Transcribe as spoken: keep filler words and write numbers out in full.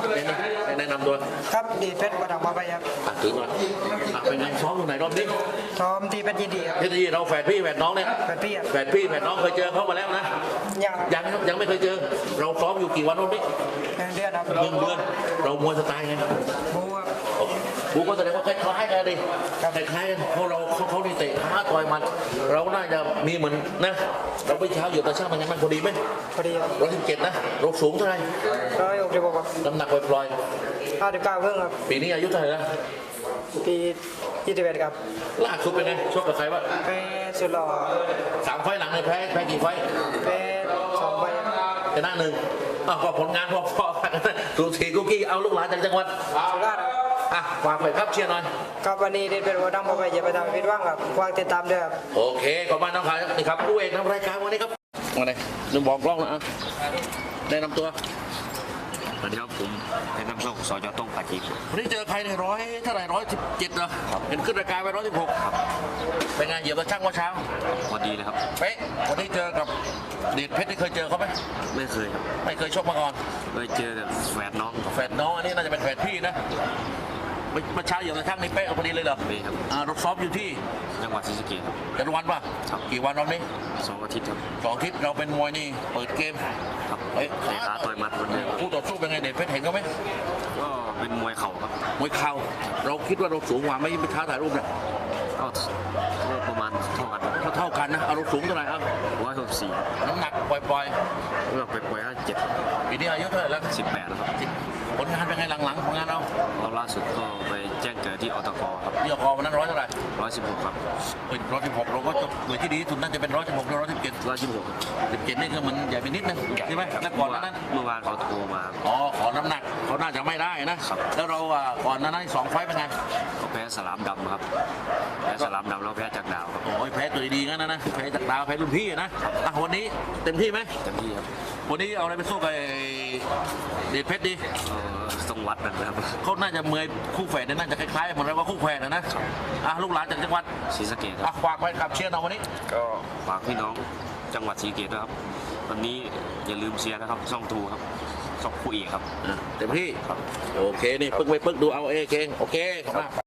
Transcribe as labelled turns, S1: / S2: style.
S1: แนะนำตัว
S2: ครับดีเพชรประดับมาไปครับ
S1: ถือมาเป็นไงซ้อมอยู่ไหนรอบนี้
S2: ซ้อมที่เพชรยินดีครับ
S1: เพชรยินดีเราแฝดพี่แฝดน้องเนี่ย
S2: แฝดพี่
S1: แฝดพี่แฝดน้องเคยเจอเขามาแล้วนะ
S2: ยัง
S1: ยังยังไม่เคยเจอเราซ้อมอยู่กี่วันรอบนี้
S2: หนึ่งเดือนครับ
S1: หนึ่งเดือนเรามวยสไตล์ไง
S2: บูครับ
S1: บูก็แสดงว่าคล้ายๆกันดิคล้ายๆกันเพราะเราเขาเขานี่เตะท้าต่อยมันเราน่าจะมีเหมือนนะเราไปเช้าอยู่แต่ช่างมันยังมันพอดีไหม
S2: พอดีครับ
S1: ร้อยสิบเจ็ดนะเราสูงเท่าไหร่
S2: ร้อยหกสิบหกครับ
S1: น้ำหนักปล่อย
S2: ๆห้าสิบเก้าเพิ่งครับ
S1: ปีนี้อายุเท่าไหร่แล้ว
S2: ปียี่สิบเอ็ดครับ
S1: ล่าสุดเป็นไงชกกับใครวะ
S2: แพ้สุดหล่อ
S1: สามไฟหลังเลยแพ้แพ้กี่ไฟ
S2: แพ้สองใบ
S1: ชนะหนึ่งอ้าวก็ผลงานพอๆกันสูสีกุ๊กกี้เอาลูกหลานจากจังหวัด
S2: สุราษฎร์
S1: อ่ะฝากไปครับเชียร์หน่อย
S2: ครับวันนี้เด็ดเป็นหัวดำมาไปอย่าไปทำผิดหวังครับฝากติดตามด้วยครับ
S1: โอเคขอบคุณน้องขายนี่ครับผู้เอกนำรายการวันนี้ครับมาเลยนึกบอกกล้องนะได้นำตัว
S3: สวัสดีครับผมเป็นน้ำส้มสจต้องปาจี
S1: วันนี้เจอใครในร้อยเท่าไหร่ร้อยสิบเจ็ดเหรอเห็นขึ้นรายการไปร้อยสิบหกเป็นไงเหยียบตะช่างว่าเช้า
S3: พอดีเลยครับ
S1: เป๊ะวันนี้เจอกับเดชเพชรที่เคยเจอเขาไหม
S3: ไม่เคยครับ
S1: ไม่เคยชกมาก่อน
S3: เคยเจอแต่แฝดน้อง
S1: แฝดน้องอันนี้น่าจะเป็นแฝดพี่นะเมื่อเช้าเหยียบตะช่างนี่เป๊ะพอดีเลยเหรอ
S3: เป๊ะครับ
S1: อ่ารถซ้อมอยู่ที่
S3: จังหวัดศรีสะเกษครับ
S1: กันวันป่ะกี่วันรอบนี้
S3: สองอาทิตย์ครับ
S1: สองอาทิตย์เราเป็นมวยนี่เปิดเกม
S3: ครับเฮ้ยเตะขาต่อยมัดคนเดียว
S1: คู่ต่อสู้เป็นไงเดชเพชรเห็นเขาไหม
S3: ก็เป็นมวยเข่าครับ
S1: มวยเข่าเราคิดว่าเราสูงกว่าไม่ไปท้าถ่ายรูปเนี่ย
S3: ก็ประมาณเท่ากัน
S1: เท่าเท่ากันนะเอาเราสูงเท่าไหร่ครับ
S3: ร้อยหกสี่
S1: น้ำหนักปล่อย
S3: ๆน้ำหนักปล่อยๆห้าเจ็ด
S1: ปีนี้อายุเท่าไหร่แล้ว
S3: สิบแปดแล้วครับ
S1: ผลงานเป็นไงหลังๆผลงานเรา
S3: เราล่าสุดก็ไปแจ้งเกิดที่อตกครับ
S1: ที่อตกวันนั้นร้อยเท่าไหร่
S3: ร้อยสิบหกครับ
S1: เป็นร้อยสิบหกเราก็จะโดยที่ดีที่สุดน่าจะเป็นร้อยสิบหกหรือร้อยสิบเจ็ด
S3: ร้อยสิบหก
S1: สิบเจ็ดนี่คือมันใหญ่ไปนิดนึงใช่ไหมแล้วก่อนนั้น
S3: เมื่อวานเขาโทรมา
S1: อ๋อขอน้ำหนักเขาน่าจะไม่ได้นะแล้วเราก่อนนั้นสองไฟเป็นไง
S3: ก็แพ้สลามดำครับแพ้สลามดำแล้วแพ้จากดาวครับ
S1: โอ้ยแพ้ตัวดีงั้นนะนะแพ้จากดาวแพ้รุ่นพี่นะอ่ะวันนี้เต็มที่ไหม
S3: เต็มที่ครับ
S1: วันนี้เอาอะไรไปสู้กับเดชเพชรดี
S3: ทรงวัดนะครับ
S1: เขาน่าจะเมยคู่แฝดน่าจะคล้ายๆเหมือนเราว่าคู่แฝดนะนะอ่ะลูกหลานจากจังหวัด
S3: ศรีสะเกษ
S1: อ่ะฝากไว้กับเชียร์เราวันนี้
S3: ก็ฝากพี่น้องจังหวัดศรีสะเกษด้วยครับวันนี้อย่าลืมเชียร์นะครับช่องทูครับช่องคู่เอกครับ
S1: เต็มที่ครับโอเคนี่ปึ๊กไปปึ๊กดูเอาเอเก่งโอเคขอบคุณ